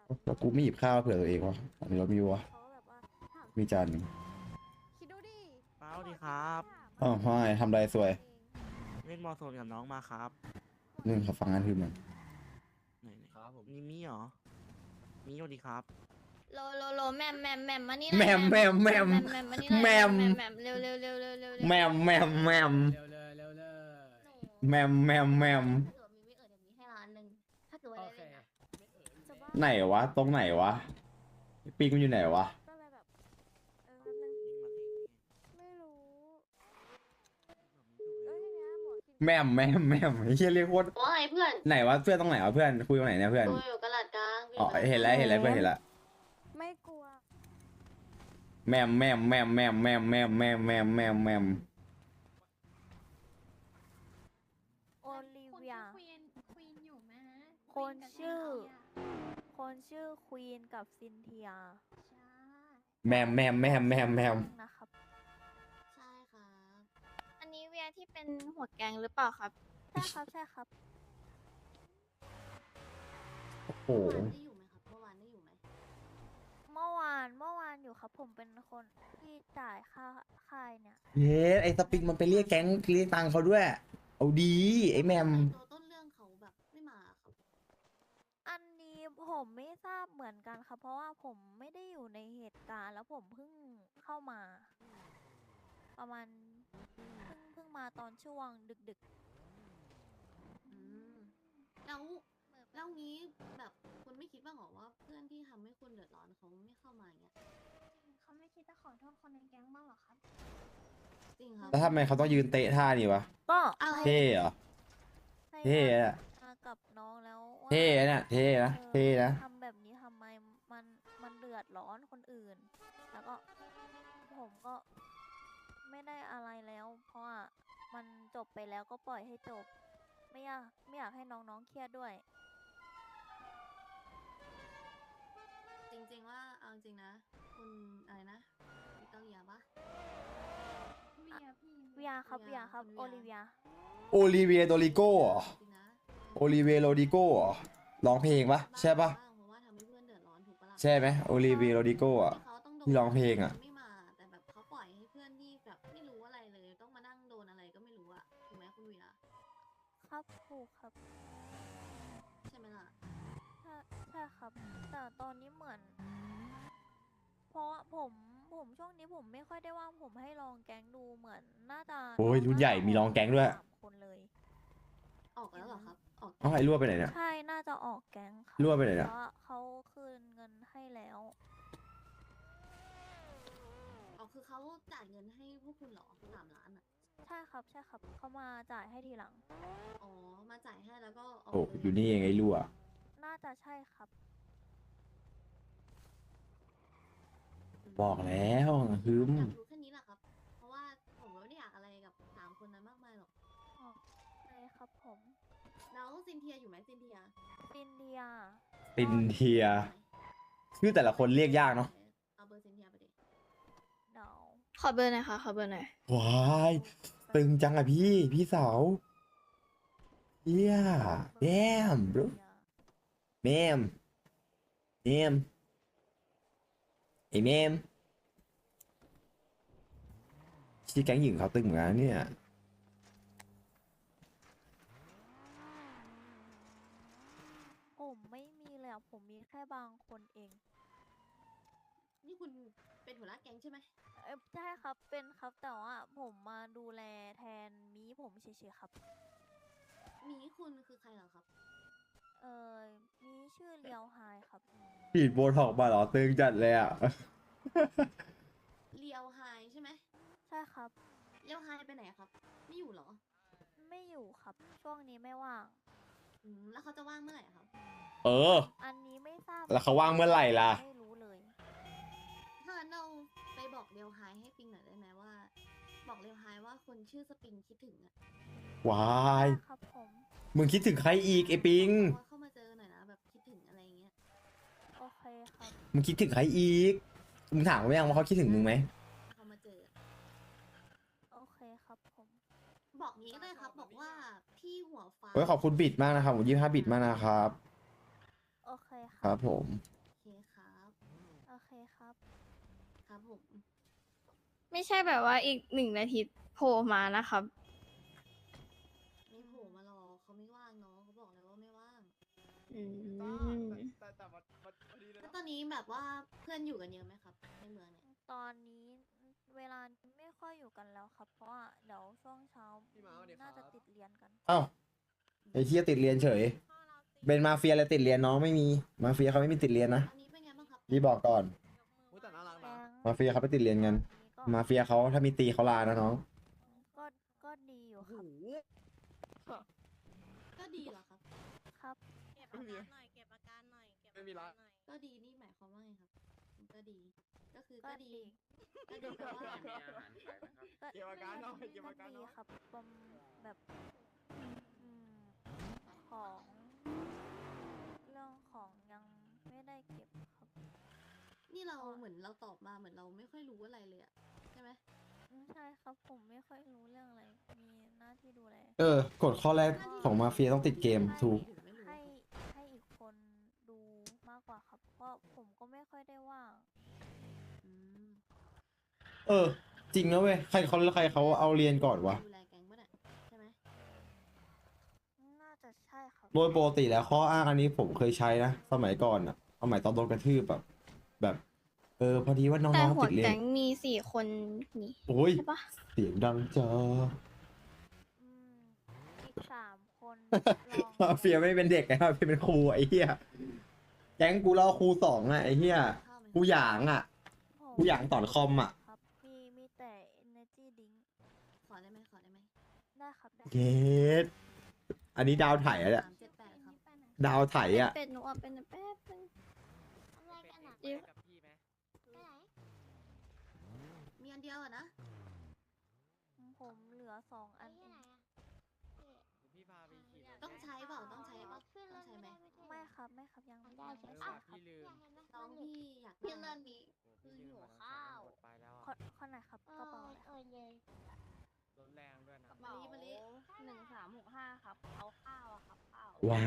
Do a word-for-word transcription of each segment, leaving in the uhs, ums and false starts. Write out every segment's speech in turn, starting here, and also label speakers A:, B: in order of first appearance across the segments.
A: แล้วกูไม่หยิบข้าวเผื่อตัวเองวะมีรถมีวะ
B: เขาแบบว่าถาม
A: มีจานหนึ่ง
B: คิดดูดิ
C: เปล่าดีครับ
A: อ้าวไม่ทำไรสวย
C: เล่นมอโซนกับน้องมาครับ
A: หนึ่งขับฟังงานคือมัน
C: ไหนไหนครับผมนี่มีเหรอมีสวัสดีครับ
B: โลโลโลแมมแมมแมมมานี่
A: แมมแมมแมม
B: แมมมานี่หน่อย
A: แมม
B: แมมแมมเร็วเร็วเร็วเร็วเร็วเร็ว
A: แมมแมมแมม
D: เร็วเลยเร็วเลย
A: แมมแมมแมม
B: ถ้าเกิดมีไม่เอ่ยเดี๋ยวมีให้ล้านหนึ่งถ้าเกิดว่า
D: โอ
B: ได้
D: เค
B: เล่นนะ
D: ไม่เอ่ย
B: จะบ้า
A: ไหนวะ ตรงไหนวะปีกมันอยู่ไหนวะ
B: ก็เลยแบบเออแป๊บนึง
C: ยิงมาสิ
B: ไม่รู้เอ้ยทีเนี้ยหมอคิด
A: แมมแมมแมมไอ้เหี้ยเรียกว่า
B: ว่าไงเพื่อน
A: ไหนวะเพื่อนตรงไหนวะเพื่อนคุยตรงไหนเนี่ยเพื่อน
B: กูอยู่กระลาดกลาง
A: อ๋อเห็นแล้วเห็นแล้วเพื่อนเห็นแล้ว
B: ไม่กลัว
A: แมมแมมแมมแมมแมมแมมแมมแมมแมมแมม
B: โอลิเวีย
E: ควีนควีนอยู่ไหมฮะ
B: คนชื่อ
E: ใช่
B: คนชื่อควีนกับซินเทีย
A: แมมแมมแมมแมมแมม
B: นะครับ
E: ใช่ครับ
B: อันนี้เวียที่เป็นหัวแกงหรือเปล่าครับ ใช่ครับ ใช่ครับ
A: โอ้โห
E: เมื่อวานได้อยู่ไหมครับ เมื่อวานได้อยู่ไหม
B: เมื่อวานเมื่อวานอยู่ครับ ผมเป็นคนที่จ่ายค่าค่ายเนี่ย
A: เย้ไอ้สปิงมันไปเรียกแก๊งเรียกตังค์เขาด้วย เอาดีไอ้แมม
E: ตัวต้นเรื่องเขาแบบไม่มาครับ
B: อันนี้ผมไม่ทราบเหมือนกันครับ เพราะว่าผมไม่ได้อยู่ในเหตุการณ์ แล้วผมเพิ่งเข้ามา ประมาณเพิ่งเพิ่งมาตอนช่วงดึก
E: อืม แล้ว แล้วงี้แบบคุณไม่คิดบ้างเหรอว่าเพื่อนที่ทำให้คุณเดือดร้อนเขาไม่เข้ามาอย่างเงี้ย
F: เขาไม่คิดจะขอโทษคนในแก๊งบ้างเหรอครับ
E: จริงครับ
A: แล้วทำไมเขาต้องยืนเตะท่านี่วะ
B: ๆ ก็
E: อะไร
A: เท่เหรอ
B: ให้
A: เท่อะ
B: มากับน้องแล้วว่า
A: เท่อะเนี่ยเท่นะ
B: ออ
A: เท่นะ
B: ทำแบบนี้ทำไมมันมันเดือดร้อนคนอื่น แล้วก็ผมก็ไม่ได้อะไรแล้ว เพราะว่ามันจบไปแล้วก็ปล่อยให้จบ ไม่อยากไม่อยากให้น้องๆเครียดด้วย
E: จริงๆว่าเอาจริงๆนะ คุณอะไรนะวิตอเรียปะ
F: เวียพี่
B: เวียครับ
E: เวี
B: เวี
E: ย
B: ยครับ
E: คุณ
B: โอ
E: เวีย
B: ลิเวีย
A: โอลิเวียโดริโก้เหรอ
E: จริงๆนะ
A: โอลิเวียโรดิโก้เหรอร้องเพลงปะใช่ปะ
E: บ้างเพราะว่าทำให้เพื่อนเดือดร้อนถูกปะล่ะ
A: ใช่ไหมโอลิเวียโรดิโก้อะ
E: ที่เขาต้องโดน
A: ที่ร้องเพลงอะ
E: ไม่มา แต่แบบเขาปล่อยให้เพื่อนที่แบบไม่รู้อะไรเลย ต้องมานั่งโดนอะไรก็ไม่รู้อะถูกไหมคุณเวีย
B: ครับถูกครับ
E: ใช่ไหมล่ะ
B: ใช่ใช่ครับ แต่ตอนนี้เหมือน เพราะว่าผมผมช่วงนี้ผมไม่ค่อยได้ว่างผมให้ลองแก๊งดูเหมือนน่าจะ
A: โอ้ยรุ่นใหญ่มีร้องแก๊งด้วย
B: สามคนเลย
E: ออกแล้วเหรอครับ ออก
A: เอาไอ้รั่วไปไหนเนี่ย
B: ใช่น่าจะออกแก๊งครับ
A: รั่วไปไหน
B: เพ
A: เนี่ย
B: ราะว่าเขาคืนเงินให้แล้ว
E: ออกคือเขาจ่ายเงินให้พวกคุณเหรอสามล้านอะ
B: ใช่ครับใช่ครับเขามาจ่ายให้ทีหลัง
E: อ๋อ มาจ่ายให้แล้วก็ออก
A: โอ้
E: เลย
A: อยู่นี่เองไอ้รั่ว
B: น่าจะใช่ครับ
A: บอกแล้วฮึม
E: อยากรู้แค่นี้แหละครับ เพราะว่าผมไม่ได้อยากอะไรกับสามคนนั้นมากมายหรอก
B: อ๋อใช่ครับผม
E: แล้วซินเทียอยู่ไหมซินเทีย
B: ซินเดีย
A: ตินเทียชื่อแต่ละคนเรียกยากเนาะ
E: เอาเบอร์ซินเทียไปดิ
B: เดา
F: ขอเบอร์หน่อยค่ะ ขอเบอร์หน่อย
A: ว้ายตึงจังอะพี่พี่สาวเฮียแดมบรูแมมแมมไอ้แมมชื่อแก๊งหญิงเขาตึงเหมือนกันเนี่ย
B: ผมไม่มีเลยอะผมมีแค่บางคนเอง
E: นี่คุณเป็นหัวหน้าแก๊งใช่ไหม
B: เอ้ยใช่ครับเป็นครับแต่ว่าผมมาดูแลแทนมีผมเฉยๆครับ
E: หมีคุณคือใครเหรอครับ
B: เออมีชื่อเลียวไฮครับ
A: ฉีดโบท็อกมาเหรอตึงจัดเลยอ่ะ
E: เลียวไฮใช่ไหม
B: ใช่ครับ
E: เลียวไฮไปไหนอะครับ ไม่อยู่เหรอ
B: ไม่อยู่ครับ ช่วงนี้ไม่ว่าง
E: อืม แล้วเขาจะว่างเมื่อไหร่อะครับ
A: เออ
B: อันนี้ไม่ทราบ
A: แล้วเขาว่างเมื่อไหร่ล่ะ
B: ไม่รู้เลย
E: ถ้างั้นเราไปบอกเลียวไฮให้ปิงหน่อยได้ไหมว่า บอกเลียวไฮว่าคนชื่อสปิงคิดถึงอะ
A: วาย
B: ครับผม
A: มึงคิดถึงใครอีกไอ้ปิง
E: ว่าเข้ามาเจอหน่อยนะแบบคิดถึงอะไรอย่างเงี้ย
B: โอเคครับ
A: มึงคิดถึงใครอีก มึงถามเขายังว่าเขาคิดถึงมึงไหม
E: เข้ามาเจอ
B: โอเคครับผม
E: บอกงี้ก็ได้ครับ บอกว่าพี่หัวฟ้า
A: โอ้ยขอบคุณบิดมากนะครับผมยี่ห้าบิดมากนะครับ
B: โอเคค
A: ค
B: รั
A: รับ บผม
F: ไม่ใช่แบบว่าอีกหนึ่งนาทีโผล่มานะครับ
E: ไม่โผล่มารอเขาไม่ว่างเนาะเขาบอกเลยว่าไม่ว่าง
F: อืม
D: แต่แต่วันวันพอดีเลย
E: แล้ว
D: นะ
E: ตอนนี้แบบว่าเพื่อนอยู่กันเยอะไหมครับ ในเมืองเนี่ย
B: ตอนนี้เวลาไม่ค่อยอยู่กันแล้วครับ เพราะว่าเดี๋ยวช่วงเช้า
D: พี่มาสวัสดี
B: น่า
D: ครั
B: จะ
D: บ
B: ติดเรียนกัน
A: เอ้าไอ้เฮียติดเรียนเฉย เป็นมาเฟียอะไรติดเรียนน้องไม่มี มาเฟียเขาไม่มีติดเรียนนะ
E: อันนี้เป็นไงบ้างครับ
A: พี่บอกก่อน
D: อุ๊ยแต่น่ารัก
B: แก๊
D: นะ
B: ง
A: มาเฟียเขาไปติดเรียนกัน
B: ก็
A: มาเฟียเขาถ้ามีตีเขาลานะน้อง
B: ก็ก็ดีอยู่
D: โอ้
B: ค
D: โห
B: รับ
E: ก็ดีเหรอครับ
B: ครับ
G: เก็บอาการหน่อย เก็บอาการหน่อย เก็บ
D: ไม่มีละ
G: อาการหน่อย
E: ก็ดีนี่หมายความว่าไงครับ ก็ดี ก็คือ
B: ก็
E: ก็ดี
B: ดี
E: ก็ดีแปลว่า
B: ก็
D: เก็บอาการหน่อยเก็บอาการหน่
B: ดี
D: อย
B: ครับประมแบบอืมของ เรื่องของยังไม่ได้เก็บครับ
E: นี่เราเหมือนเราตอบมาเหมือนเราไม่ค่อยรู้อะไรเลยอะใช่ไหม
B: ไม่ใช่ครับผมไม่ค่อยรู้เรื่องอะไร มีหน้าที่ดูแล
A: เออกฎข้อแรกของมาเฟียต้องติดเกมถูก
E: ถึงไม่รู้
B: ให้ให้อีกคนดูมากกว่าครับ เพราะผมก็ไม่ค่อยได้ว่าง
E: อืม
A: เออ จริงนะเว้ย ใครเขาใครเขาเอาเรียนก่อนวะ
E: ดูแลแก๊งปะเนี่ยใช่ไหม
B: น่าจะใช่ครับ
A: โดยปกติแล้วข้ออ้างอันนี้ผมเคยใช้นะ สมัยก่อนอะสมัยตอนโดนกระทืบแบบแบบ เออ พอดีว่าน้
F: แต่
A: อง
F: หั
A: ๆ
F: ว
A: ติดเรียน
F: แก๊งมีสี่คนนี่
A: โอ้ย
F: ใช่ปะ
A: เสียงดังจ้า
B: อืม อีกสามคนลอง
A: มาเฟียไม่เป็นเด็กไงมาเฟียเป็นครูไอ้เหี้ย แก๊งกูเล่าครูสองอะไอ้เหี้ย
E: ข้าวไหม
A: กูหยางอะ
B: ผม
A: กูอยากสอนคอมอะ
B: ครับ มีมีแต่ energy drink
E: ขอได้ไหมขอได้ไหม
B: ได้ครับได้
A: เกตอันนี้ดาวไถอะเนี่ย
E: สามเจ็ดแปดครับ
A: ดาวไถอะ
F: เป็ดหนูอ่ะเป็นแป๊บนึง
G: อะไรกันอ่ะ
F: เดี๋ยว
D: กับพี่ไหม
G: ไปไหน
E: มีอันเดียวอะนะ
B: ผมเหลือสองอัน
G: ไป
B: เอ
G: ที่
B: ง
G: ไหนอ่ะ
D: พี่พาไปขี่รถ
E: ต้องใช้เปล่าต้องใช้เปล่า
G: ขึ้นร
E: ต้อ
G: ถ
E: งใช้ไหม
B: ไม่ครับไม่ครับยัง
G: ได้
B: ยัง
G: ใช่
B: ไม่
G: ปะ
B: ใช่ครับ
D: พี่ลืม
E: น้องพี่อยาก
G: พี่
E: ได้
G: เลินนี้ คือหิวข้าว
D: ไปแล้ว
B: ข้อข้อไหนครับ
G: เอก
B: ระเป๋า
G: อ
B: อะไรค
G: เอ
B: รับ
G: อเยย
D: รถแรงด้วยนะ
E: มะลิมะลิ
G: หนึ่งสามหกห้าครับ เอาข้าวอะครับข้าว
A: ว้าย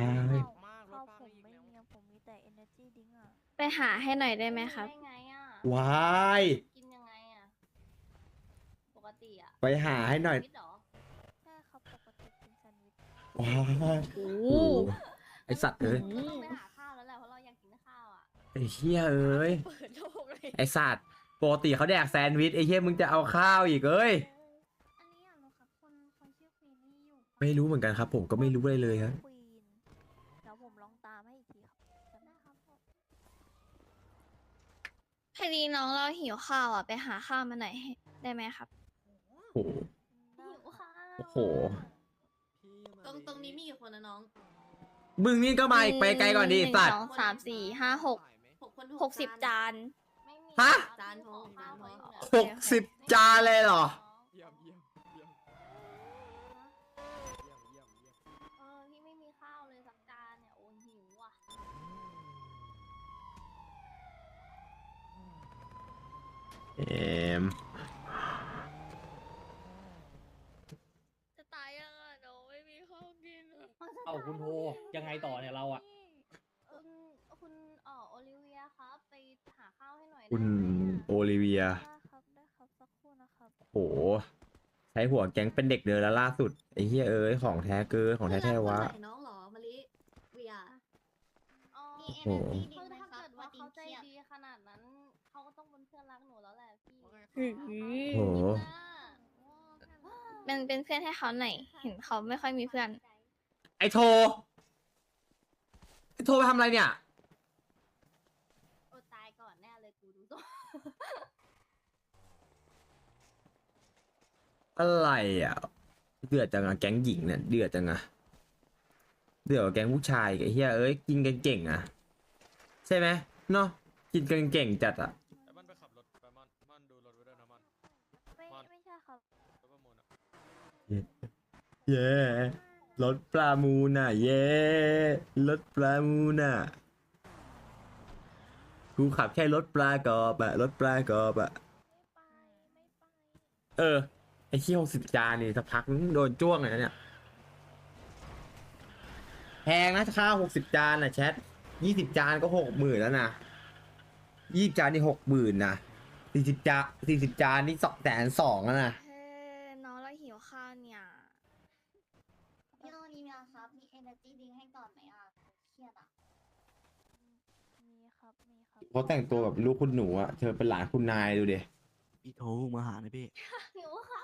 B: ข้าว
D: มากร
B: ข้าว
D: ถ
B: ผ
D: ป้าม ไปอีก
B: ไม่
D: แล้ว
B: มีอะผมมีแต่ energy drink อ่ะ
F: ไปหาให้หน่อยได้ไหมครับ
G: ได้ไงอ่ะ
A: ว้าย
G: กินยังไงอ่ะ ปกติอ่ะ
A: ไปหาให้หน่อย
G: ชีวิตเหรอ
B: ใช่ครับปกติกินแซนด์วิช
A: ว้าย
F: โอ้
A: โอ้ไอสัตว์เอ้ย
G: เราต้องไปหาข้าวแล้วแหละ เพราะเราอยากกินข้าวอ่ะ
A: ไอเหี้ยเอ้ย
G: เปิดโลกเลย
A: ไอสัตว์ปกติเขาแดกแซนด์วิชไอเหี้ยมึงจะเอาข้าวอีกเอ้ย
F: อันนี้อยากรู้ครับคนคนชื่อควีนนี่อยู่
A: ไม่รู้เหมือนกันครับ ผมก็ไม่รู้เลยเลยครับ
B: ควีนเดี๋ยวผมลองตามให้อีกทีครับจำได้ครับผม
F: พอดีน้องเราหิวข้าวอ่ะ ไปหาข้าวมาหน่อยให้ได้ไหมครับ
A: โอ้โห
B: ได้
G: หิว
B: ครับ
G: ข้าว
A: โอ้โห
D: พี่มา
E: ตรงตรงนี้มีกี่คนนะน้อง
A: มึงนี่ก็มาอีกไปไกลก่อนดิ
F: หนึ่ง
A: สัต
F: ส
A: ว์
F: องสามสี่ห้าหก
E: หกคน
F: หกสิบจาน
G: ไม่มี
A: ฮะ
G: ครับ
E: จานพอ
G: ขอข้าว
E: จานพอ
G: ไว้อยู่เนี่ย
A: หกสิบจานเลยเหรอ
D: เยี่ยมเยี่ยมเยี่ยมเยี่ยมเยี่ยมเยี่ยม
G: เออพี่ไม่มีข้าวเลยสักจานเนี่ย โอ้ยหิวอ่ะ
A: เอ็ม
F: จะตายยังอ่ะน้องไม่มีข้าวกินอ่ะ
H: เอ้าคุณโทยังไงต่อเนี่ยเราอะ
G: คุณคุณเอ่อโอลิเวียครับ ไปหาข้าวให้หน่อย
A: คุณ
G: ได้ไหมอะ
A: โอลิเวีย
B: ได้ครับได้ครับสักครู่นะครับ
A: โห ใช้หัวแก๊งเป็นเด็กเดินแล้วล่าสุด ไอ้เหี้ยเอ้ย ของแท้เกินของแท้แท้วะ
E: เพื่อนรักคนไหนน้องเหรอมะลิเวีย
G: อ๋อ
E: มี
A: โอ้
E: energy
G: คือ
E: drink ไหม
G: ถ้า
E: ครับ
G: เกิดว่าเขาใจ
E: เครียด
G: ดีขนาดนั้น เขาก็ต้องเป็นเพื่อนรักหนูแล้วแหละพี่
D: ว่าไง
F: หือ
A: โอ้โห
F: เป็นเป็นเพื่อนให้เขาหน่อย เห็นเขาไม่ค่อยมีเพื่อน
A: ไอโท ไอโทไปทำอะไรเนี่ย
G: โอตายก่อนแน่เลยกูดูตัว
A: อะไรอ่ะ เดือดจังอะแก๊งหญิงเนี่ยเดือดจังอะเดือดกว่าแก๊งผู้ชายไอ้เหี้ยเอ้ยกินกันเก่งอะใช่ไหมเนาะกินกันเก่งจัดอะ
D: ไอ้มันไปขับรถไปมันมันดูรถไว้ด้วยนะมัน
B: ไม่
D: มัน
B: ไม่ใช่ครับ
D: รถประมูลอะ
A: เย้รถปลามูน่ะ เย้รถปลามูน่ะกูขับแค่รถปลากรอบอะรถปลากรอบอะ
B: ไม่ไปไม่ไป
A: เออไอ้เที่ยวสิบจานนี่สักพักนึงโดนจ้วงเลยนะเนี่ยแพงนะข้าวหกสิบจานนะแชทยี่สิบจานก็หกหมื่นแล้วนะยี่สิบจานนี่หกหมื่นนะสี่สิบจานสี่สิบจานนี่สองแสนสองแล้วนะ
F: เฮ้ยน้องเราหิวข้าวเนี่ย
G: พี่โอลิเวียครับ มี energy drink ให้ก่อนไหมอ่ะเครียดอ่ะ
B: มีครับมีครับ
A: เขาแต่งตัวแบบลูกคุณหนูอะเธอเป็นหลานคุณนายดูดิ
C: พี่โทรมาหาหน่อยพี่
G: หิวข้าว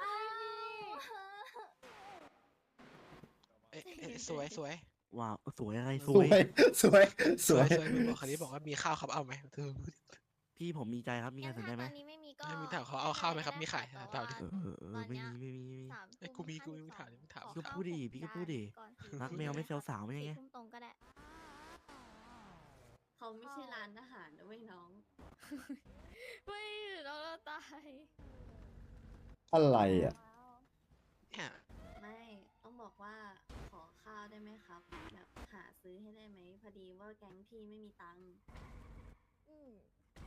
I: เอ๊ะเอ๊ะสวยสวย
C: ว้าวสวยอะไรส
A: ส
C: ว
A: วย ย สวย ส
I: ส
A: ว
I: วย ยสวยมึงบอกคันนี้บอกว่ามีข้าวครับเอาไหมเธอ
C: พี่ผมมีใจครับมีใครสนใจไหม
F: ตอนนี้ไม่มีก็
I: ให้มึงถามเขาเอาข้าวไหมครับมีขาย
F: แต่
I: ถามดิ
F: ว่า
C: เออเออเออไม่มีไม่มีไม่มี
F: สาม
I: เอ้ย
F: ทุ่
I: กูมีกูมี
F: ห้
I: มึง
F: สิบ
I: ถาม
F: สอง
I: ดิมึงถาม
F: ขอ
C: พี่ก็พูดดิพี่ก็พูดดิ
F: ก่อนสี่
C: รักแมวไม่เซลสาวไม่ใช่ไง
F: สี่ทุ่มตรงก็ได้
E: เขาไม่ใช่ร้านอาหารนะเว้ยน้อง
F: ไม่เราเราตาย
A: อะไรอะ
I: เนี่ย
E: ไม่ต้องบอกว่าขอข้าวได้ไหมครับ แบบหาซื้อให้ได้ไหมพอดีว่าแก๊งพี่ไม่มีตังค์
F: อืม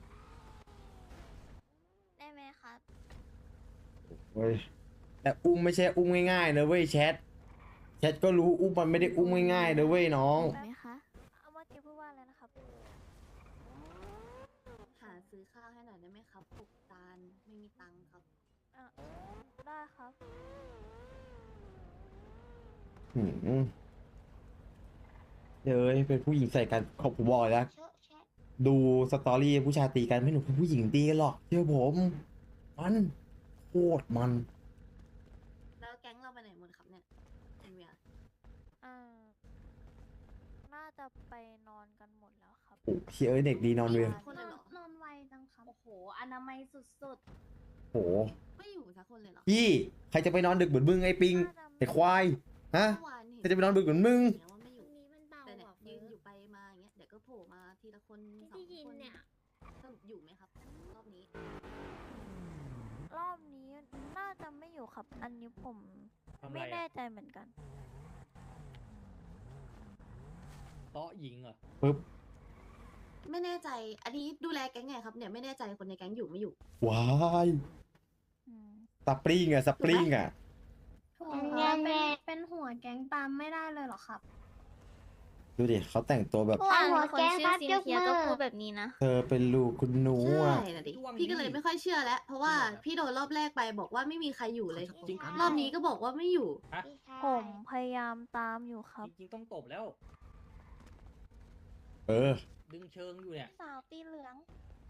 F: ได้ไหมครับ
A: เว้ยแต่อุ้มไม่ใช่อุ้มง่ายๆนะเว้ยแชท แชทก็รู้อุ้มมันไม่ได้อุ้มง่ายๆนะเว้ยน้อง
F: ไหมคะ
B: เอาเมื่อกี้พูดว่าอะไรนะครับ
E: หาซื้อข้าวให้หน่อยได้ไหมครับหกจานไม่มีตังค์ครับ
B: อ่ะได้ครับ
A: หืมเดี๋ยวเอ้ยเป็นผู้หญิงใส่กันขอบผมบอกเลยนะ
G: เชอะแชะ
A: ดูสตอรี่ผู้ชายตีกันไม่หนุกผู้หญิงตีกันหรอกเชื่อผม มันโคตรมัน
E: แล้วแก๊งเราไปไหนหมดครับเนี่ยเป็นเวีย
B: อ่า น่าจะไปนอนกันหมดแล้วครับ
A: โอ้เชียเอ้ยเด็กดีนอนเลย
E: คนเลยเหรอ
G: นอนไวจังครับ โอ้โห อนามัยสุด
A: โห
E: ไม่อยู่สักคนเลยเหรอ
A: พี่ใครจะไปนอนดึกเหมือนมึงไอ้ปิง
B: น่าจะ
A: ไอ้ควายฮะ
E: เมื่อวานเห็น
A: ใครจะไปนอนดึกเหมือนมึง
E: เห็นว่าไม่อยู่
F: นี้มันเบา
E: แต่เนี่ย
F: อ่ะ
E: ยืนอยู่ไปมาอย่างเงี้ยเดี๋ยวก็โผล่มาทีละคนสอง
F: ที่ยิน
E: คน
F: เนี่ย
E: สรุปอยู่ไหมครับรอบนี้
B: รอบนี้น่าจะไม่อยู่ครับ อันนี้ผม
H: ทำไร
B: ไม่
H: อะ
B: แน่ใจเหมือนกัน
H: เตาะหญิงเหรอ
A: ปึ๊บ
E: ไม่แน่ใจ อันนี้ดูแลแก๊งไงครับเนี่ยไม่แน่ใจคนในแก๊งอยู่ไม่อยู่
A: ว้าย
B: อืม
A: สปริงอะสปริงอะ
G: ๆถูกครับเป็นเป็นหัวแก๊งตามไม่ได้เลยเหรอครับ
A: ดูดิเขาแต่งตัวแบบ
F: เมื่อวาน
G: หัว
F: คน
G: แก๊ง
F: ชื่
G: ครั
F: อบ ซิน
G: ยก
F: เทีย
G: มือ
F: ก็พูดแบบนี้นะ
A: เธอเป็นลูกคุณหนู
E: ใช่
A: อะ
E: นะดิ
H: ดวง
E: พี่ก็เลย
H: ดี
E: ไม่ค่อยเชื่อแล้ว เพราะว่าพี่โดนรอบแรกไปบอกว่าไม่มีใครอยู่เลย
C: จริงอัน
E: รอบนี้ก็บอกว่าไม่อยู่
H: ฮะ
B: ผมพยายามตามอยู่ครับ
H: จริงๆต้องตบแล้ว
A: เออ
H: ดึงเชิงอยู่เนี่ย
G: สาวตีเหลือง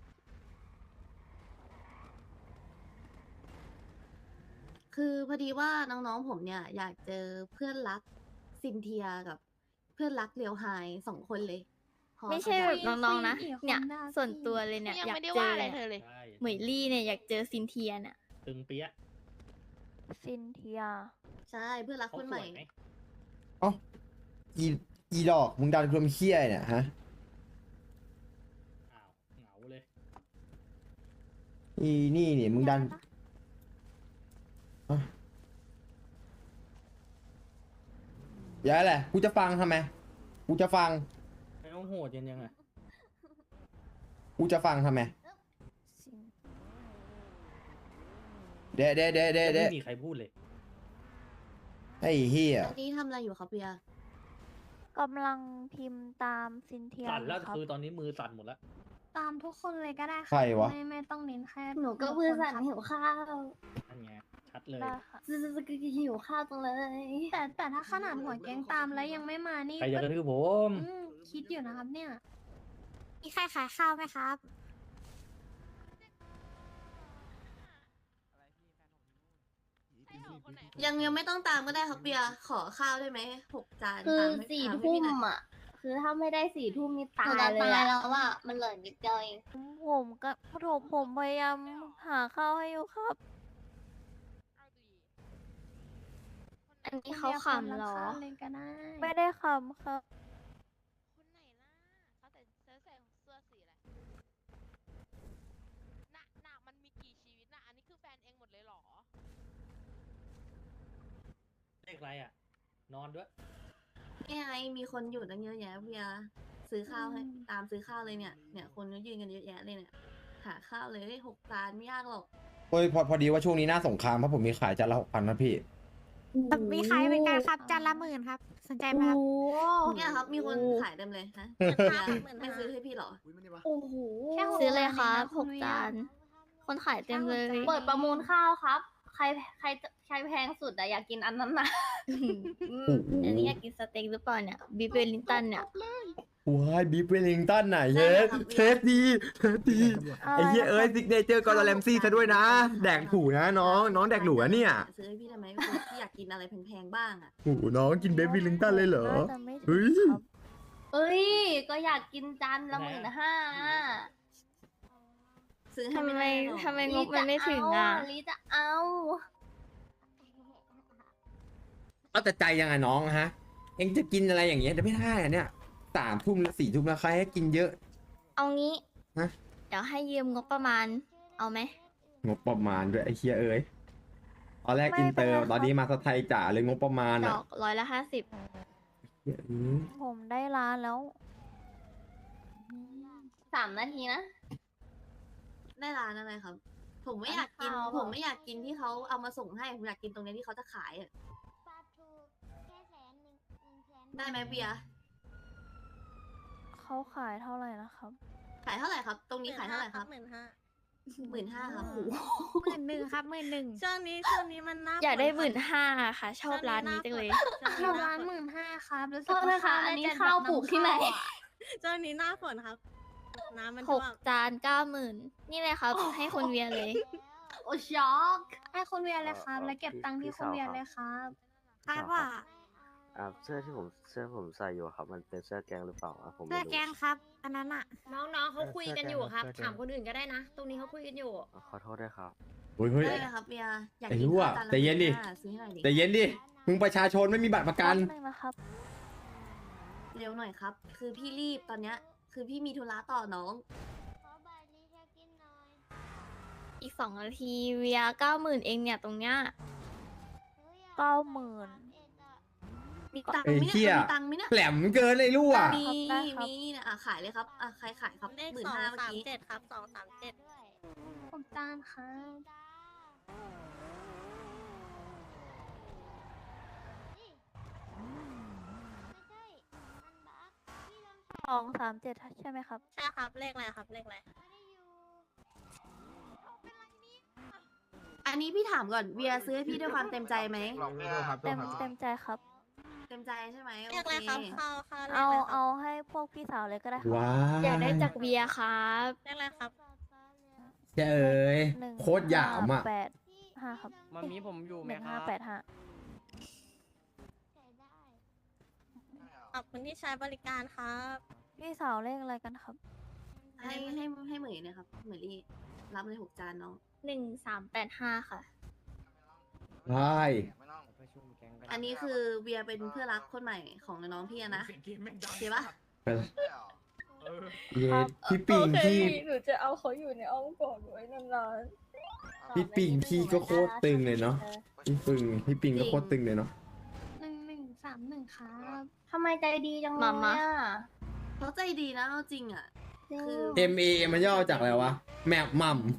E: คือพอดีว่าน้องๆผมเนี่ย อยากเจอเพื่อนรักซินเทียกับเพื่อนรักเลียวไฮสองคนเลยพอ
F: ไม่ใช่
E: เข้า
F: แบบ
E: ใจ
F: น้องๆนะ
G: คุยกับ
F: เนี่ย
G: คนหน้า
F: ส่วน
G: พี่
F: ตัวเลยเนี่ย
J: ยัง
F: อยาก
J: ไม่ได้
F: เจ
J: ว่า
F: อ
J: อะไร
F: เนี่ย
J: เธอเลย
H: ใช่
F: เหมยลี่เนี่ยอยากเจอซินเทียเนี่ย
H: ตึงเปี้ยะ
B: ซินเทีย
E: ใช่เพื่อนรัก
H: เขา
E: คน
H: ส
E: ใหม่
H: วยไหม
A: เอ้าอีอีดอกมึงดันความเคี้ยเนี่ยฮะ
H: อ้าวเหงาเลย
A: อีนี่นี่มึงดันอะอย่าแหละกูจะฟังทำไม กูจะฟัง
H: ไม่ต้องโหดยังยังไง
A: กูจะฟังทำไม
B: ซิน
A: เดะเดะเดะเดะ
H: ไม่
A: เดะ
H: มีใครพูดเลย
A: ไอ้เฮีย
E: อันนี้ทำอะไรอยู่ครับเบียร์
B: กำลังพิมพ์ตามซินเทีย
H: สั่นแล้ว
B: อยู่ครับ
H: คือตอนนี้มือสั่นหมดแล้ว
G: ตามทุกคนเลยก็ได้
A: ใครวะ
G: ไม่ไม่ต้องเน้นแค่
E: หนูก็
G: บุคคล
E: เพื่อนสัน
G: ครับ
E: หิวข้าว
H: นั่นไง ชัดเลย
B: ได้ค่ะ
E: หิวข้าวจังเลย
G: แต่แต่ถ้าขนาดหัวแก๊งตามแล้วยังไม่มานี่
H: ใครจะกระทืบผม
G: อืมคิดอยู่นะครับเนี่ย
F: มีใครขายข้าวไหมครับ
E: ยังยังไม่ต้องตามก็ได้ครับเบียร์ขอข้าวได้ไหมหกจาน
G: คือ
E: ตามให้
G: สี่
E: ตาให้
G: ทุ่
E: พี่
G: ม
E: หน่อย
G: อ่ะ คือถ้าไม่ได้สี่ทุ่มนี่ตาย
E: หนูจะ
G: เลย
E: ตายแล้
G: แล้ว วอ่ะ มันเหลือนิดเดียวเอง
B: ผมก็ผมผมพยายามหาข้าวให้อยู่ครับ
F: อันนี้เขาขำเหรอ
G: เลยก็ได้
B: ไม่ได้คำครับ
J: คนไหนล่ะเขาแต่เสื้อใส่เสื้อสีอะไรน่ะน่ะมันมีกี่ชีวิตน่ะ อันนี้คือแฟนเองหมดเลยเหรอ
H: เลขอะไรอ่ะ นอนด้วย
E: นี่ไงมีคนอยู่ตั้งเยอะแยะเบียร์ซื้อข้าวให้ตามซื้อข้าวเลยเนี่ย เนี่ยคนก็ยืนกันเยอะแยะเลยเนี่ย หาข้าวเลยหกจานไม่ยากหรอก
A: เฮ้ยพอพอดีว่าช่วงนี้หน้าสงครามเพราะผมมีขายจานละหกพันนะพี่
F: มีขายเป็นการครับจานละหมื่นครับ สนใจไหมครับ
E: เนี่ยครับมีคนขายเต็มเลยนะ
F: หมื่น
E: เบี
F: ห้าย
E: ร์
F: หมื่น
E: ไม่
F: ห้า
E: ซื้อให้พี่เหรอ
G: โอ้โห
F: ซื้อเลยครับหกจาน
E: ข
F: คนขายเต็มเลย
E: เปิดประมูลข้าวครับ ใครใครใครแพงสุดอะอยากกินอันนั้นนะ
F: อืมอันนี้อยากกินสเต็กหรือเปล่าเนี่ยบีเวลลิงตันเนี่ย
A: ว้ายบีฟเวลลิงตันไหนเฮดเทสดีเทสดีไอ้เหี้ยเอ้ยซิกเนเจอร์กอร์แลมซี่ซะด้วยนะ แดกถูนะน้องน้องแดกหลูอะเนี่ย
E: ซื้อให้พี่ทำไมพี่อยากกินอะไรแพงๆบ้างอะ
A: โอ้โหน้องกินเบฟเวลลิงตันเลยเหรอ
B: น่าจะไม่ถึง
A: เฮ้ย
B: ครับ
E: เอ้ย ก็อยากกินจานละหมื่นห้าซื้อให้
F: ทำไม
E: ด้หรอ
F: ทำไมงบมันไม่ถึงอ่ะ
E: ลิจะเอา
A: เอาแต่ใจยังไงน้องฮะ เอ็งจะกินอะไรอย่างเงี้ยแต่ไม่ได้อะเนี่ยสามทุ่มแล้วสี่ทุ่มแล้วใครให้กินเยอะ
F: เอางี้
A: ฮะ
F: เดี๋ยวให้ยืมงบประมาณ เอาไหม
A: งบประมาณด้วยไอ้เคียเอ้ยตอนแรก
B: ไม่
A: อินเตอร์
B: เป็นไรครับ
A: ตอนนี้มาสไทยจ๋าเลยงบประมาณ
F: ด
A: อ่ะ
F: อกร้อยละห้าสิบ
A: เหี้ยอืม
B: ผมได้ร้านแล้ว
E: สามนาทีนะ ได้ร้านอะไรครับ ผมไม่อยากกิน
F: ร้านข้าว
E: ผมไม่อยากกินที่เขาเอามาส่งให้ ผมอยากกินตรงนี้ที่เขาจะขายอะได้ไหมเบียร์
B: เขาขายเท่าไหร่นะครับ
E: ขายเท่าไหร่ครับ ตรงนี้ขายเท่าไหร่ครับ
F: หมื่นห้า
E: หมื่นห้าครับ
F: หมื่นหนึ่งครับหมื่นหนึ่ง
J: ช่วงนี้ช่วงนี้มันน่า
F: อยากได้หมื่นห้าค่ะ ชอบร้านนี้จังเลย
J: ช่วงนี้ร้านหมื่นห้าครับแล้ว
E: โทษนะคะอันนี้ข้าวปลูกที่ไหน
J: ช่วงนี้หน้าฝนครับ น้ำมัน
F: หกจานเก้าหมื่นนี่เลยครับ ให้คุณเวียเลย
E: โอ้ช็อก
J: ให้คุณเวียเลยครับ แล้วเก็บตังค์ที่คุณเวียเลยครับ
K: คาด
J: ว่า
K: อ่าเสื้อที่ผมเสื้อผมใส่อยู่ครับ มันเป็นเสื้อแกงหรือเปล่าอ่ะผมไม่
J: เสื้อ
K: รู้
J: แกงครับ อันนั้นอะ
F: น้องๆเขาคุยกันอยู่ครับ
K: เสื้อแกง
F: ถามคนอื่นก็ได้นะ ตรงนี้เขาคุยกันอยู่
K: อ่ะขอโทษด้วยครับ
A: โอ้ยเฮ้ย
E: ได้เลยครับเบียร์อยาก
A: ไอ้
E: กิน
A: รั่ว
E: ข้าวจานละ
A: ใจเย็นดิ
E: หมื่ห้าซื้อให้หน่อยดิ
A: แต่เย็นดิมึงประชาชนไม่มีบัตรประกัน
B: แป๊บนึงนะครับ
E: เร็วหน่อยครับ คือพี่รีบตอนเนี้ย คือพี่มีธุระต่อน้อง
F: อีกสองนาทีเวียเก้าหมื่นเองเนี่ยตรงเนี้ย
B: เก้าหมื่น
E: มีตังค์
A: ไอ้
E: ไหม
A: เหี้
E: เนี่ย ยมีตังค์ไหมเนี่ย
A: แหลมเกินไอ้รั่ว
E: มี
B: ได้ครับ
E: มีเนี่ยอ่ะขายเลยครับ อ่ะใครขายครับ
J: เลข
E: หมื่น
J: สอง
E: ห้าเมื่อ
J: สาม
E: กี้
J: เจ็ดครับสองสามเจ็ด
F: ผมจานครับ
B: สองสามเจ็ดใช่ไหมครับ
J: ใช่ครับ เลขอะไรครับ เลขอะไร
E: อันนี้พี่ถามก่อนเวียซื้อให้พี่ด้วยความเต็มใจไหม
B: เต็มเต็มใจครับ
E: เต็มใจใช่ไหม
J: เลข
E: โอ
J: อะไร
E: เค
J: ครับข้าวข้าวเลข
B: เอา
J: อะไรครับ
B: เอาให้พวกพี่สาวเลยก็ได้ครับ
A: ว้า
F: อยากได้จากเวียครับ
J: เลขอะไรครับ
A: แกเอ้ย
B: หนึ่ง
A: โคตรหยามอ่ะ
B: แปดห้าครับ
D: มันมีผมอยู่ไห
B: ห
D: ม
B: นึ่ง
D: ค
B: ห้า
D: รับ
B: แปดห้า
J: ขอบคุณที่ใช้บริการครับ
B: พี่สาวเลขอะไรกันครับ
E: ให้ให้ให้เหมยนะครับเหมยรี่รับเลยหกจานน้อง
F: หนึ่งสามแปดห้าค่ะ
A: ใช่
E: อันนี้คือเวียเป็นเพื่อนรักคนใหม่ของน้องพี่อะนะโอเคปะ
A: เย็ดพี่ปิงพี่
F: หนูจะเอาเขาอยู่ในอ้อมกอดไว้นาน
A: พี่ปิงพี่ก็โคตรตึงเลยเนาะพี่ปิงพี่ปิงก็โคตรตึงเลยเนาะ
F: หนึ่งหนึ่งสามหนึ่งครับ
E: ทำไมใจดีจังเลย
F: มามา
E: อ่ะเขาใจดีนะเอาจริงอ่ะ คือ
A: เอ็มเอมันย่อจากอะไรวะแมปมัม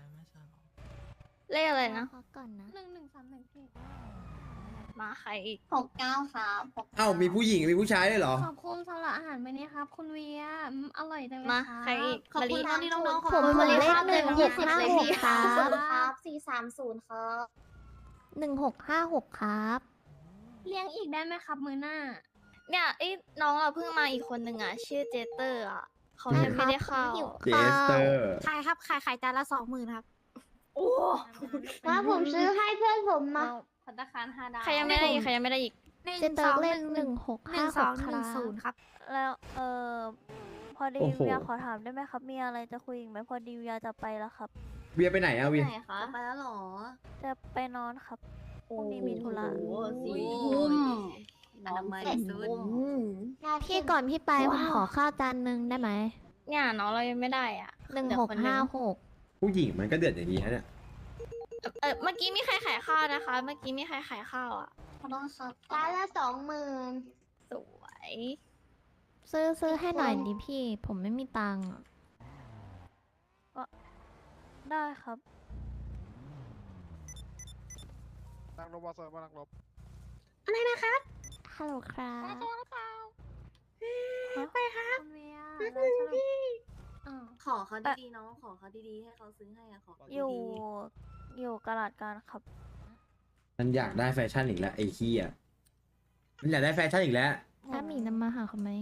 F: เลขอะไรนะ
J: ก่อนนะ
F: หนึ่งหนึ่งสามหนึ่งพี่มาใครอีก
G: หกเก้าครับหก
A: เอ้ามีผู้หญิงมีผู้ชายด้วยเหรอ
J: ขอบคุณสำหรับอาหารวันนี้ครับ คุณเวียอืมอร่อยจังเลย
F: มา
J: ครับ
F: ใครอีก
E: ขอบคุณ
F: มะลิ
E: น้องนี่น้องๆขอบ
F: ผม
E: คุณ
F: ผม
E: มะลิ
F: เลข
E: ครับ
F: หนึ่ง
E: เต็ม
F: หกห้า
E: เลย
F: หก
E: พี่
F: ครับ
G: ครับสี่สามศูนย์ครับ
F: หนึ่งหกห้าหกครับ
J: เลี้ยงอีกได้ไหมครับมือหน้า
F: เนี่ยไอ้น้องอ่ะเพิ่งมาอีกคนหนึ่งอ่ะ ชื่อเจเตอร์อ่ะเขายังไม่ได้เข้า
A: เจสเตอร์
J: ขายครับ ขายขายจานละสองหมื่นครับ
F: โอ้
G: ว่าผมซื้อให้เพื่อนผมมา
E: พัตตาคารห้าดาว
F: ใครยังไม่ได้อีกใครยังไม่ได้อีก
J: เจนเตอร์เลขหนึ่งหกห้าหกครับ
B: แล้วเออพอดี
A: โอ้โห
B: เวียขอถามได้ไหมครับ มีอะไรจะคุยอีกไหมพอดีเวียจะไปแล้วครับ
A: เวียไปไหนอะเวีย
E: ไหนคะไปแล้วเหรอ
B: จะไปนอนครับพรุ่งนี้มีธุระ
E: โอ้โหสี่
G: ทุ่
E: ทุ่
G: ม
E: มอนามัยสุด
J: พี่ก่อนพี่ไปผมขอข้าวจานหนึ่งได้ไหม
F: เนี่ยน้องเรายังไม่ได้อ่ะ
J: หนึ่ง
F: เดี๋ยว
J: หก
F: คน
J: ห้าหก
A: ผู้หญิงมันก็เดือดอย่างนี้ฮะเนี่ย
F: เออเมื่อกี้มีใครขายข้าวนะคะ เมื่อกี้มีใครขายข้าวอ่ะ
G: ขอโทษครับร้านละสองหมื่น
F: สวย
J: ซื้อซื้อให้หน่อยดิพี่ ผมไม่มีตังค์อะ
B: ได้ครับ
D: นั่งรถบอสมานั่งรถ
J: ฮัลโหลครับ
B: ไปครับ
J: คุณเวีย
G: อ่า
E: ขอเขาดีๆน้องขอเขาดีๆให้เขาซื้อให้อะขอเขา
B: อยู่
E: ดี
B: อยู่กระดาษการครับ
A: มันอยากได้แฟชั่นอีกแล้วไอ้เหี้ยมันอยากได้แฟชั่นอีกแล้ว
J: ถ้ามีนำมาหาเขาไหม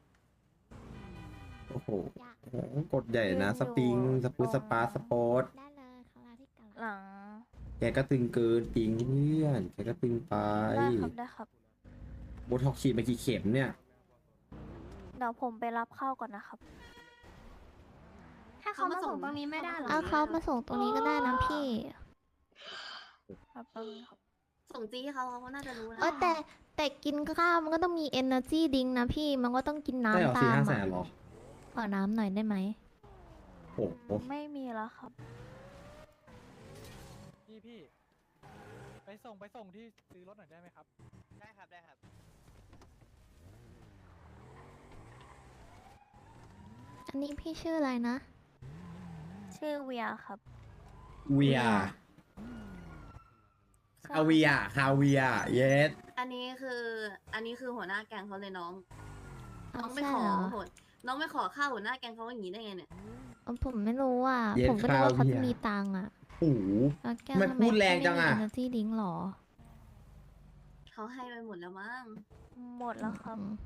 A: โอ้โหโอ้โหกดใหญ่นะ สปริง สปูสปาสปอร์ต
J: ได้เลยเขาลาที่กัน
B: หลัง
A: แกก็ตึงเกินจริงเพื่อน แกก็ตึงไป
B: ได้ครับได้ครับ
A: โบท็อกฉีดไปกี่เข็มเนี่ย
B: เดี๋ยวผมไปรับข้าวก่อนนะครับ
G: ถ้าเขามาส่งตรงนี้ไม่ได้เหรอ
J: เอาเขามาส่งตรงนี้ก็ได้นะพี่
B: ครับแป๊บนึงครับ
E: ๆส่งจี้ให้เขาเขาน่าจะรู้นะ
J: เออแต่แต่กินข้าวมันก็ต้องมี energy drink นะพี่ มันก็ต้องกิน
A: ได้เหรอ
J: น้ำ
A: สี่
J: ตาม
A: ห้าแสน
J: อะ
A: เหรอ
J: ขอน้ำหน่อยได้ไหม
A: โอ้โห
B: ไม่มีแล้วครับ
D: พี่พี่ไปส่งไปส่งที่ซื้อรถหน่อยได้ไหมครับ
C: ได้ครับได้ครับ
J: อันนี้พี่ชื่ออะไรนะ
B: ชื่อเวียครับ
A: เวีย
B: ใช่
A: คาเวียคาเวียเยส
E: อันนี้คือ อันนี้คือหัวหน้าแกงเขาเลยน้อง
J: อ๋อ
E: น้องไป
J: ใช่
E: ขอ
J: เหรอ
E: โหดน้องไปขอข้าวหัวหน้าแกงเขาอย่างนี้ได้ไงเนี่ย
J: เออผมไม่รู้อ่ะ
A: เย็น
J: ผมก็นึกว่า
A: คา
J: เขา
A: เวีย
J: จะมีตังค์อ่ะ
A: โอ้โห
J: แล้วแก
A: ทำไมพูดแรงจังอะ
J: ไม่มี energy drink หรอ
E: เขาให้ไปหมดแล้วมั้ง
B: หมดแล้วครับ
J: อืม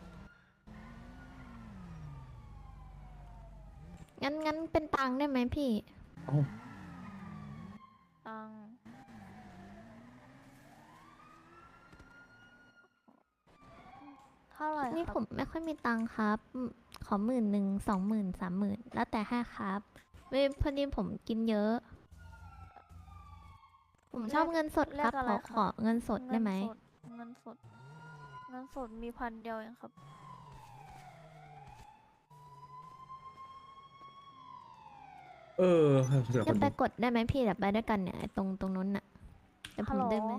J: งั้นงั้นเป็นตังค์ได้ไหมพี่
A: เอ้า
B: ตังเท่าไหร่
J: นี่
B: ครับ
J: ผมไม่ค่อยมีตังค์ครับอืมขอหมื่นหนึ่งสองหมื่นสามหมื่นแล้วแต่ห้าครับเว้ยพอดีผมกินเยอะ ผมชอบเงินสด
B: เล
J: ครับ
B: ขอะไร
J: ขอ
B: ค
J: ขอ
B: รับ
J: เงินสดได้ไหม
B: เงินสด เงินสด มีพันเดียวเองครับ
A: เออเดี๋ยวค
J: จะ
A: น
J: ไป
A: ดู
J: กดได้ไหมพี่เดี๋ยวไปด้วยกันเนี่ยไอ้ตรงตรงนู้นน่ะเดี๋ยวผ
B: ฮัล
J: ม
B: โหล
J: เดินไป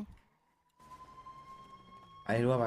A: ไปรู้ว่าไป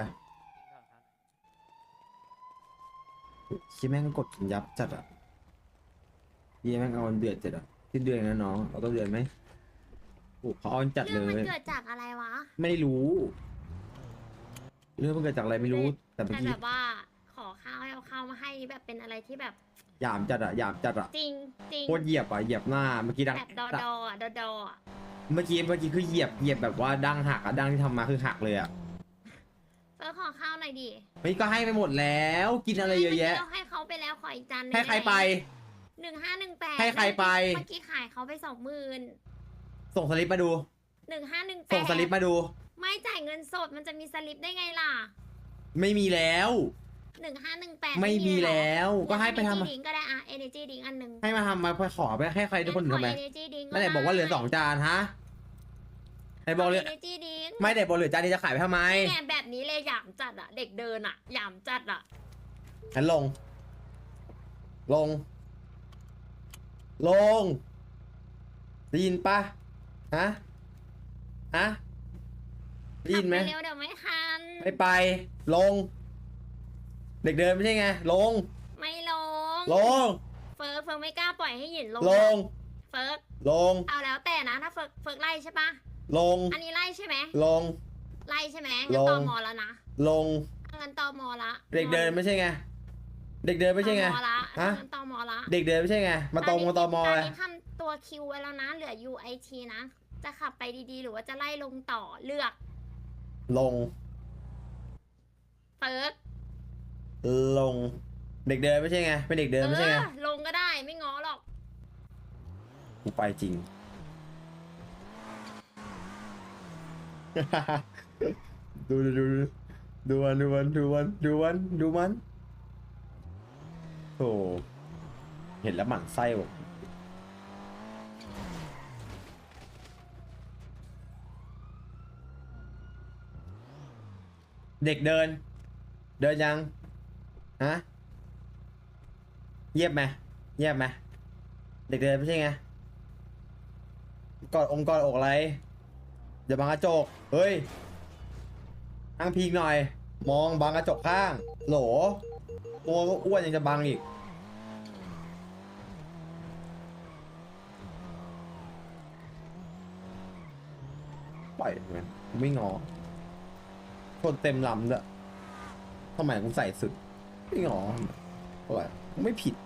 A: คิดแม่งกดยับจัดอ่ะยี่แม่งเอาเดือดจัดอ่ะที่เดือนนะน้องเอาต้นเดือนไหมโอ้เขาเอาจัดเล
G: เรื่องมัน
A: ย
G: เกิดจากอะไรวะ
A: ไม่รู้ เรื่องมันเกิดจากอะไรไม่รู้ แต่เมื่อ
G: แต่
A: กี้
G: แบบว่าขอข้าวให้เอาข้าวมาให้แบบเป็นอะไรที่แบบ
A: หยามจัดอ่ะหยามจัดอ่ะ
G: จริงจริง
A: โคตรเหยียบอ่ะเหยียบหน้าเมื่อกี้ดัง
G: แบบดอดออ่ะดอดออ่ะ
A: เมื่อกี้เมื่อกี้คือเหยียบเหยียบแบบว่าดังหักอ่ะดังที่ทำมาคือหักเลยอ่ะ
G: เฟิร์สขอข้าวหน่อยดิ
A: เฮ้ยก็ให้ไปหมดแล้วกินอะไรเยอะแยะ
G: มื่กี้เราให้เขาไปแล้วขออีกจานหนึง
A: ให้ใครไป
G: หนึ่งห้าหนึ่งแปด
A: ให้ใครไป
G: เมื่อกี้ขายเขาไปสองหมื่น
A: ส่งสลิปมาดู
G: หนึ่งห้าหนึ่งแปด
A: ส่งสลิปมาดู
G: ไม่จ่ายเงินสดมันจะมีสลิปได้ไงล่ะ
A: ไม่มีแล้ว
G: หนึ่งห้าหนึ่งแปด
A: ไม่มีแล้วก็ให้ไปทำ
G: ดิ้งก็ได้อะ energy ดิ้งอันหนึ่ง
A: ให้มาทำมาไปขอไปให้ใครทุกคน
G: งั้
A: ทำไม
G: ขอ energy drink
A: ไม่ได้บอกว่าเหลือสองจานฮะไหนบอกเหลือ
G: energy drink
A: ไม่ได้บอกเหลือจานนี้จะขายไปทำไม
G: เนี่ยแบบนี้เลยหยามจัดอะเด็กเดินอะหยามจัดอะ
A: ฉันลง ลง ลงได้ยินปะฮะฮะได้ยินไหม
G: ขับปเร็วเดี๋ยวไม่ทัน
A: ไม่ไป ลง เด็กเดินไม่ใช่ไง ลง
G: ไม่ลง
A: ลง
G: เฟิร์กเฟิร์กไม่กล้าปล่อยให้หยินลง
A: ลง
G: เฟิร์ก
A: ลง
G: เอาแล้วแต่นะถ้าเฟิร์กเฟิร์กไล่ใช่ปะ
A: ลง
G: อันนี้ไล่ใช่ไหม
A: ลง
G: ไล่ใช่ไหม
A: ล
G: งั้น
A: ง
G: ตอมอแล้วนะ
A: ลง
G: งั้นตอมอละ
A: เด็กเดินไม่ใช่ไง เด็กเดินไม่ใช่ไง
G: ตอมอละ
A: ฮะ
G: งั้นตอมอละ
A: เด็กเดินไม่ใช่ไง มาตรงมาตอมอ
G: ตอน
A: เลย
G: นี้ทำตัวคิวไว้แล้วนะ เหลือ ยู ไอ ที นะ จะขับไปดีๆ หรือว่าจะไล่ลงต่อเลือก
A: ลง
G: เฟิร์ก
A: ลง เด็กเดินไม่ใช่ไง เป็นเด็กเดินไม่ใช่ไง
G: ออลงก็ได้ไม่ง้อหรอก
A: กูไปจริง ดูดูดูดูมันดูมันดูมันดูมันดูมันโธ่เห็นแล้วหมั่นไส้ว่ะเด็กเดิน เดินยัง ฮะ เยียบไหมเยียบไหมเด็กเดินไม่ใช่ไง กอดองค์กอดอกอะไรอย่าบังกระจก เฮ้ยนั่งพิงหน่อย มองบังกระจกข้าง โหล ตัวก็อ้วนยังจะบังอีก ปล่อยมันกูไม่งอคนเต็มลำด้วยทำไมกูใส่สุด ไม่งอทำไมเท่าไหร่กูไม่ผิด